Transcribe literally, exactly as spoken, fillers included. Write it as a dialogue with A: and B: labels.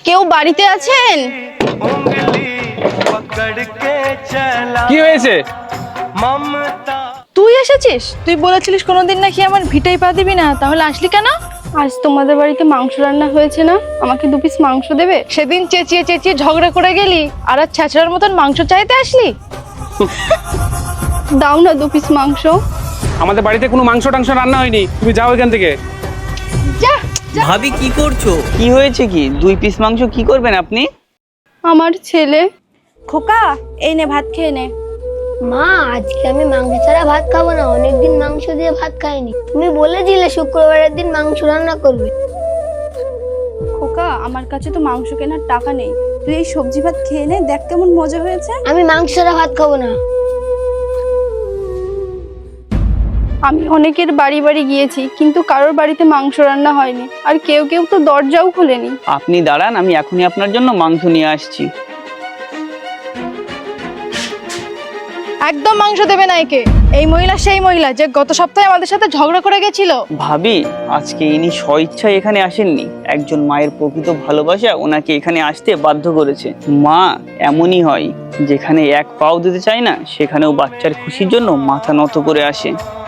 A: কেউ বাড়িতে আছেন?
B: কি হয়েছে?
A: তুই এসেছিস? তুই বলেছিলিস কোনোদিন নাকি আমার ভিটাই পা দিবি না, তাহলে আসলি কেন?
C: আজ তোমাদের বাড়িতে মাংস রান্না হয়েছে না, আমাকে দু পিস মাংস দেবে?
A: সেদিন চেঁচিয়ে চেঁচিয়ে ঝগড়া করে গেলি, আর আজ ছ্যাঁচড়ার মতন মাংস চাইতে আসলি?
C: দাও না দু পিস মাংস।
B: আমাদের বাড়িতে কোনো মাংস টাংস রান্না হয়নি, তুমি যাও এখান থেকে।
A: যা।
D: ভাবি কি করছো? কি হয়েছে কি? দুই পিস মাংস কি করবেন আপনি?
C: আমার ছেলে।
A: খোকা, এই নে ভাত খেয়ে নে।
E: মা, আজকে আমি মাংস ছাড়া ভাত খাবো না, অনেকদিন মাংস দিয়ে ভাত খাইনি। তুমি বলেছিলে শুক্রবারের দিন মাংস রান্না করবে।
C: খোকা, আমার কাছে তো মাংস কেনার টাকা নেই, তুই এই সবজি ভাত খেয়ে নে, দেখ কেমন মজা হয়েছে।
E: আমি মাংস ছাড়া ভাত খাবো না।
C: আমি অনেকের বাড়ি বাড়ি গিয়েছি, কিন্তু কারোর বাড়িতে মাংস রান্না হয়নি, আর কেউ কেউ তো দরজাও খুলেনি।
D: আপনি দাঁড়ান, আমি এখনই আপনার জন্য মাংস নিয়ে আসছি।
A: একদম মাংস দেবে না একে। এই মহিলা সেই মহিলা যে গত সপ্তাহে আমাদের সাথে ঝগড়া করে গেছিল।
D: ভাবি, আজকে ইনি স্বইচ্ছায় এখানে আসেননি, একজন মায়ের প্রকৃত ভালোবাসা ওনাকে এখানে আসতে বাধ্য করেছে। মা এমনই হয়, যেখানে এক পাও দিতে চায় না সেখানেও বাচ্চার খুশির জন্য মাথা নত করে আসে।